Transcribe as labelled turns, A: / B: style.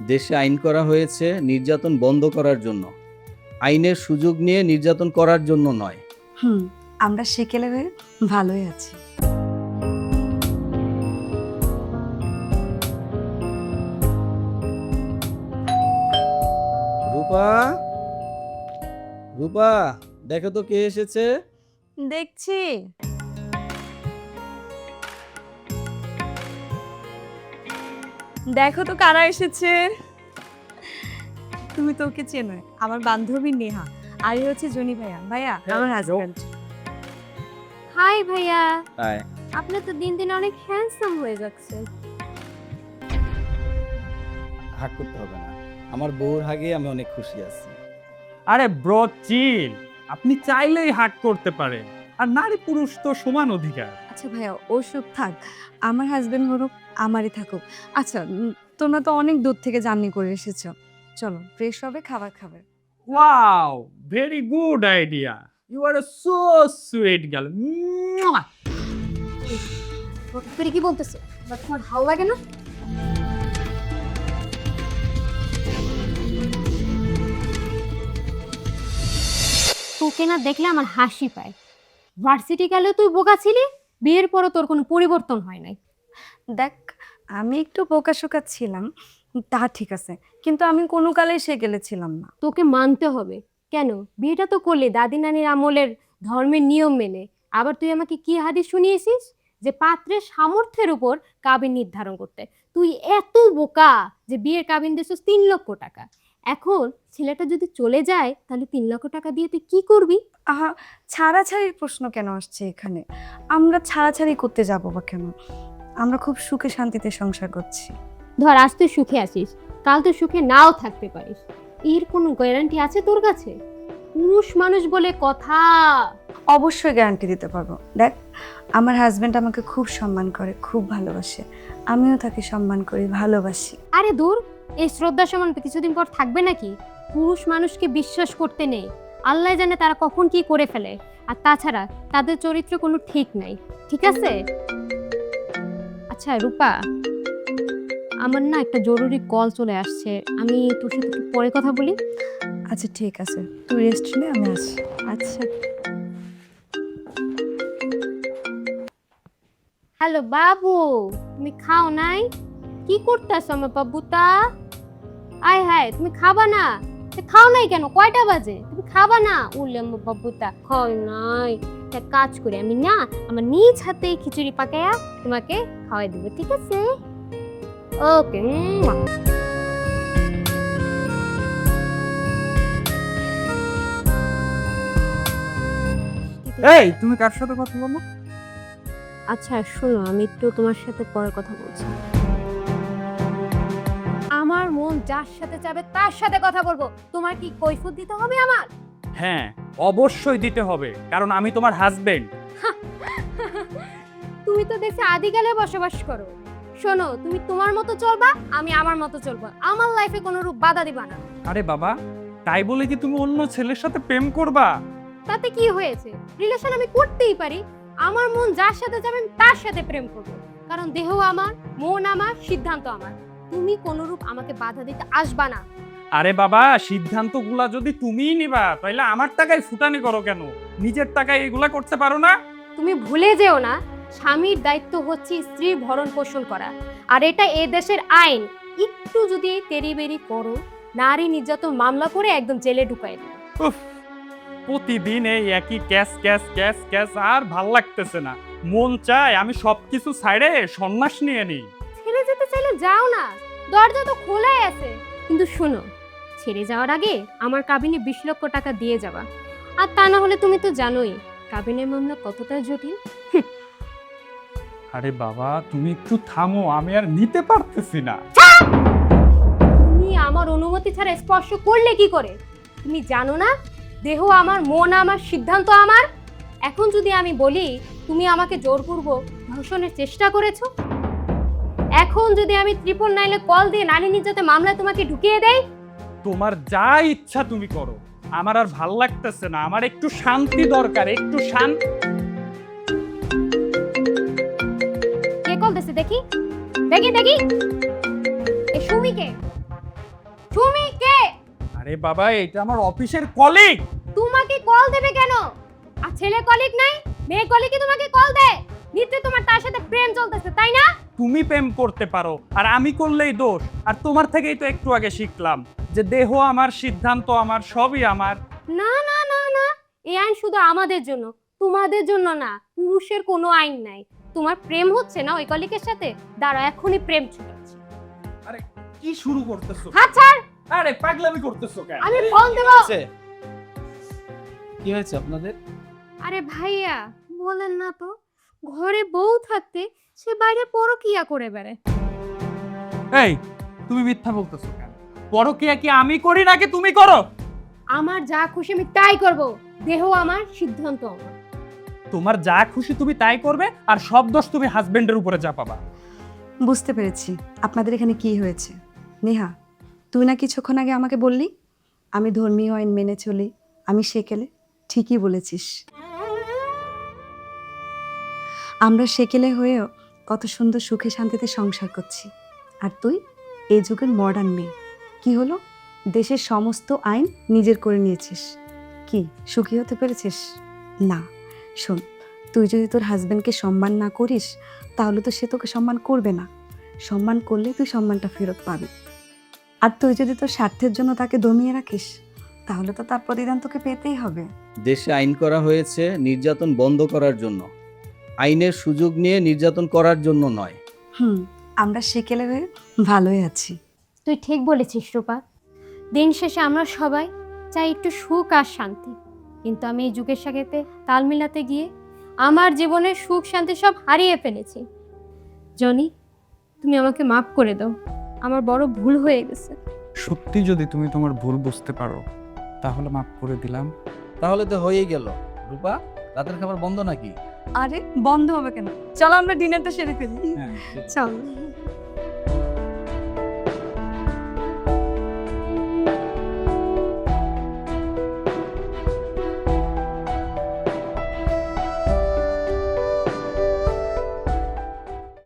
A: দেশে আইন করা হয়েছে নির্যাতন বন্ধ করার জন্য, আইনের সুযোগ নিয়ে নির্যাতন করার জন্য নয়।
B: হুম, আমরা সেকেলে হয়ে ভালোই আছি।
A: রূপা, রূপা, দেখো তো কে এসেছে।
B: দেখছি। দেখো তো কারা এসেছে। তুমি তো ওকে চেনো, আমার বান্ধবী নেহা, আর এই হচ্ছে জনি ভাইয়া। ভাইয়া আমার হাজবেন্ড।
C: হাই ভাইয়া,
A: হাই।
C: আপনি তো দিন দিন অনেক হ্যান্ডসাম হয়ে যাচ্ছে।
A: হাগ করতে হবে না, আমার বউর হাগে আমি অনেক খুশি আছি।
D: আরে ব্রো চিল, আপনি চাইলেই হাক করতে পারেন, আর নারী পুরুষ তো সমান অধিকার।
B: আচ্ছা ভাইয়া, ওসব থাক, আমার হাজবেন্ড হরুক, আমারই থাকুক। আচ্ছা, তোমরা তো অনেক দূর থেকে জার্নি করে এসেছো, চলো ফ্রেশ হবে, খাবার খাবে।
D: Wow, very good idea, you are so sweet girl.
C: তুই কি বলতেছো? তোমার ভালো লাগে না? তোকে না দেখলে আমার হাসি পায়। ভার্সিটি গেলে তুই বোকা ছিলি, বিয়ের পরও তোর কোনো পরিবর্তন হয় নাই।
B: দেখ, আমি একটু বোকাশোকা ছিলাম, তা ঠিক আছে, কিন্তু আমি কোনো কালেই সে গেলেছিলাম না।
C: তোকে মানতে হবে। কেন? বিয়েটা তো করলি দাদি নানির আমলের ধর্মের নিয়ম মেনে। আবার তুই আমাকে কি হাদিস শুনিয়েছিস যে পাত্রের সামর্থ্যের উপর কাবিন নির্ধারণ করতে। তুই এত বোকা যে বিয়ের কাবিন দিয়েছিস 3 লক্ষ টাকা। এখন ছেলেটা যদি চলে যায় তাহলে 3 লক্ষ টাকা দিয়ে তুই কি করবি?
B: আহা, ছাড়াছাড়ির প্রশ্ন কেন আসছে এখানে? আমরা ছাড়াছাড়ি করতে যাব বা কেন? আমরা খুব সুখে শান্তিতে সংসার করছি।
C: ধর আজ তুই সুখে আছিস, কাল তুই সুখে নাও থাকতে পারিস। এর কোনো গ্যারান্টি আছে তোর কাছে? পুরুষ মানুষ বলে কথা।
B: অবশ্যই গ্যারান্টি দিতে পারবো। দেখ, আমার হাজবেন্ড আমাকে খুব সম্মান করে, খুব ভালোবাসে, আমিও তাকে সম্মান করি, ভালোবাসি।
C: আরে দূর, এই শ্রদ্ধা সমান কিছুদিন পর থাকবে নাকি? পুরুষ মানুষকে বিশ্বাস করতে নেই, আল্লাহ জানে তারা কখন কি করে ফেলে। আর তাছাড়া তাদের চরিত্র কোনো ঠিক নাই, ঠিক আছে? আচ্ছা রূপা, আমার না একটা জরুরি কল চলে আসছে, আমি তোর সাথে একটু পরে কথা বলি।
B: আচ্ছা ঠিক আছে, তুই রেস্ট নে, আমি আসি।
C: আচ্ছা। হ্যালো বাবু, তুমি খাও নাই? কি করতেছ আমার বাবুটা? আয় হায়, তুমি খাবা না? খাও নাই কেন? কয়টা বাজে? তুমি খাবা না? উল্লে আমার বাবুটা খাওয়াই নাই। এক কাজ করি আমি না, আমার নিজ হাতে খিচুড়ি পাকায়া তোমাকে খাওয়াই দেবো, ঠিক আছে? ওকে।
D: এই, তুমি কার সাথে কথা বলো?
C: আচ্ছা শোনো, আমি একটু তোমার সাথে পরে কথা বলছি। আমার মন যার সাথে চাবে তার সাথে কথা বলবো। তোমার কি কৈফিয়ত দিতে হবে আমার?
D: হ্যাঁ, অবশ্যই দিতে হবে, কারণ আমি তোমার হাজবেন্ড।
C: তুমি তো দেখছি আদিকালে বসবাস করো। শোনো, তুমি তোমার মতো চলবা, আমি আমার মতো চলবো। আমার লাইফে কোনো রূপ বাধা দিবা না।
D: আরে বাবা, তাই বলে কি তুমি অন্য ছেলের সাথে প্রেম করবা?
C: তাতে কি হয়েছে? রিলেশন আমি করতেই পারি। আমার মন যার সাথে যাবে আমি তার সাথে প্রেম করব, কারণ দেহ আমার, মন আমার, সিদ্ধান্ত আমার। তুমি কোনো রূপ আমাকে বাধা দিতে আসবা না।
D: আরে বাবা, সিদ্ধান্তগুলা যদি তুমিই নিবা তাহলে আমার টাকায় ফুটানি করো কেন? নিজের টাকায় এগুলা করতে পারো না?
C: তুমি ভুলে যেও না, স্বামীর দায়িত্ব হচ্ছে স্ত্রীর ভরণ পোষণ করা, আর এটা এ দেশের আইন। একটু যদি তেড়িবেড়ি করো, নারী নির্যাতন মামলা করে একদম জেলে ঢুকাই দেবে।
D: উফ, প্রতিদিন এই একই ক্যাশ ক্যাশ ক্যাশ ক্যাশ, আর ভাল লাগতেছে না। মন চায় আমি সবকিছু ছাইড়ে সন্ন্যাস নিয়ে নিই।
C: ছেড়ে যেতে চাইলে যাও না, দরজা তো খোলাই আছে। কিন্তু শোনো, ছেড়ে যাওয়ার আগে আমার কাবিনে 20 লক্ষ টাকা দিয়ে যাবা। আর তা না হলে তুমি তো জানোই কাবিনের মামলা কতটা জটিল।
D: আরে বাবা, তুমি একটু থামো, আমি আর নিতে পারতেছি না।
C: তুমি আমার অনুমতি ছাড়া স্পর্শ করলে কি করে? তুমি জানো না, দেহ আমার, মন আমার, সিদ্ধান্ত আমার। এখন যদি আমি বলি তুমি আমাকে জোরপূর্বক ধর্ষণের চেষ্টা করেছো, এখন যদি আমি 999 কল দিয়ে নারী নির্যাতনের মামলায় তোমাকে ঢুকিয়ে দেই,
D: তোমার যা ইচ্ছা তুমি করো, আমার আর ভাল লাগতেছে না। আমার একটু শান্তি দরকার, একটু শান্তি।
C: কে কল দিছে দেখি? দেখি দেখি, এ সুমিকে। তুমি কে?
D: আরে বাবা, এটা আমার অফিসের কলিগ।
C: তোমাকে কল দেবে কেন? আর ছেলে কলিগ নাই, মেয়ে কলিগই তোমাকে কল দেয়। নিশ্চয়ই তোমার তার সাথে প্রেম চলতেছে, তাই না?
D: তুমি প্রেম করতে পারো আর আমি করলেই দোষ। আর তোমার থেকেই তো একটু আগে শিখলাম যে দেহ আমার, সিদ্ধান্ত আমার, সবই আমার।
C: না না না না, এই আইন শুধু আমাদের জন্য, তোমাদের জন্য না। পুরুষের কোনো আইন নাই। তোমার প্রেম হচ্ছে না ওই কলিগের সাথে, দাঁড়াও এখনই প্রেম ছুটাচ্ছি।
D: আরে কি শুরু করতেছো?
C: হাত ছাড়।
D: আরে পাগলামি করতেছো কেন?
C: আমি ফোন দেবো।
A: কি হয়েছে আপনাদের?
C: আরে ভাইয়া, বলেন না তো, ঘরে বউ থাকতে সে বাইরে পরকিয়া করে বেড়ায়।
D: এই, তুমি মিথ্যা বলতেছো কেন? পরকিয়া কি আমি করি নাকি তুমি করো?
C: আমার যা খুশি আমি তাই করব। দেহ আমার, সিদ্ধান্ত আমার।
D: তোমার যা খুশি তুমি তাই করবে, আর সব দোষ তুমি হাজবেন্ডের উপরে চাপাবা।
B: বুঝতে পেরেছি আপনাদের এখানে কি হয়েছে। নেহা, তুই না কিছুক্ষণ আগে আমাকে বললি আমি ধর্মীয় আইন মেনে চলি, আমি সেকেলে। ঠিকই বলেছিস। আমরা সেকেলে হয়েও কত সুন্দর সুখে শান্তিতে সংসার করছি, আর তুই এই যুগের মডার্ন মেয়ে। কি হলো, দেশের সমস্ত আইন নিজের করে নিয়েছিস। কি সুখী হতে পেরেছিস? না। শোন, তুই যদি তোর হাজবেন্ডকে সম্মান না করিস, তাহলে তো সে তোকে সম্মান করবে না। সম্মান করলে তুই সম্মানটা ফেরত পাবি। আর তুই যদি তোর স্বার্থের জন্য তাকে দমিয়ে রাখিস, তাহলে তো তার প্রতিদান তোকে পেতেই হবে।
A: দেশে আইন করা হয়েছে নির্যাতন বন্ধ করার জন্য, আইনের সুযোগ নিয়ে নির্যাতন করার জন্য নয়।
B: আমরা সেকেলে হয়ে ভালোই আছি।
C: তুই ঠিক বলেছিস রূপা। দিন শেষে আমরা সবাই চাই একটু সুখ আর শান্তি, কিন্তু আমি এই যুগের সাথে তাল মিলাতে গিয়ে আমার জীবনের সুখ শান্তি সব হারিয়ে ফেলেছি। জনি, তুমি আমাকে মাফ করে দাও, আমার বড় ভুল হয়ে গেছে।
D: সত্যি যদি তুমি তোমার ভুল বুঝতে পারো, তাহলে মাফ করে দিলাম।
A: তাহলে তো হয়েই গেল। রূপা, রাতের খাবার বন্ধ নাকি?
B: আরে বন্ধ হবে কেন? চলো আমরা ডিনারটা সেরে ফেলি।
A: হ্যাঁ।
B: চল।